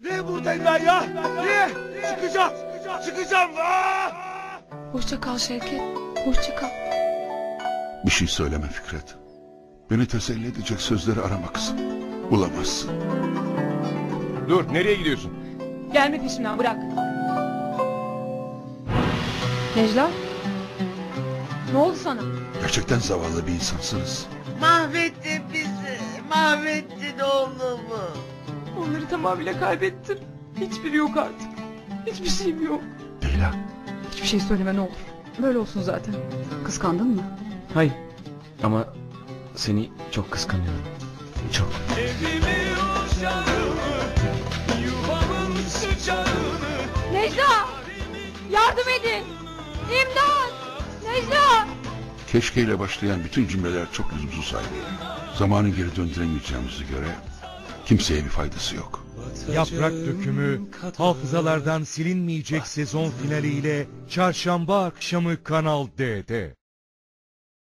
Niye buradayım ben ya? Niye? Çıkacağım. Çıkacağım. Hoşça kal Şevket. Hoşça kal. Bir şey söyleme Fikret. Beni teselli edecek sözleri arama kızım. Bulamazsın. Dur, nereye gidiyorsun? Gelme peşimden, bırak. Necla? Ne oldu sana? Gerçekten zavallı bir insansınız. Mahvettin bizi. Mahvettin oğlumu. Onları tamamıyla kaybettim. Hiçbiri yok artık. Hiçbir şeyim yok. Leyla. Hiçbir şey söyleme ne olur. Böyle olsun zaten. Kıskandın mı? Hayır. Ama seni çok kıskanıyorum. Çok. Necla! Yardım edin! İmdat! Necla! Keşkeyle başlayan bütün cümleler çok lüzumsuz sayılıyor. Zamanı geri döndüremeyeceğimize göre kimseye bir faydası yok. Yaprak Dökümü hafızalardan silinmeyecek sezon finaliyle çarşamba akşamı Kanal D'de.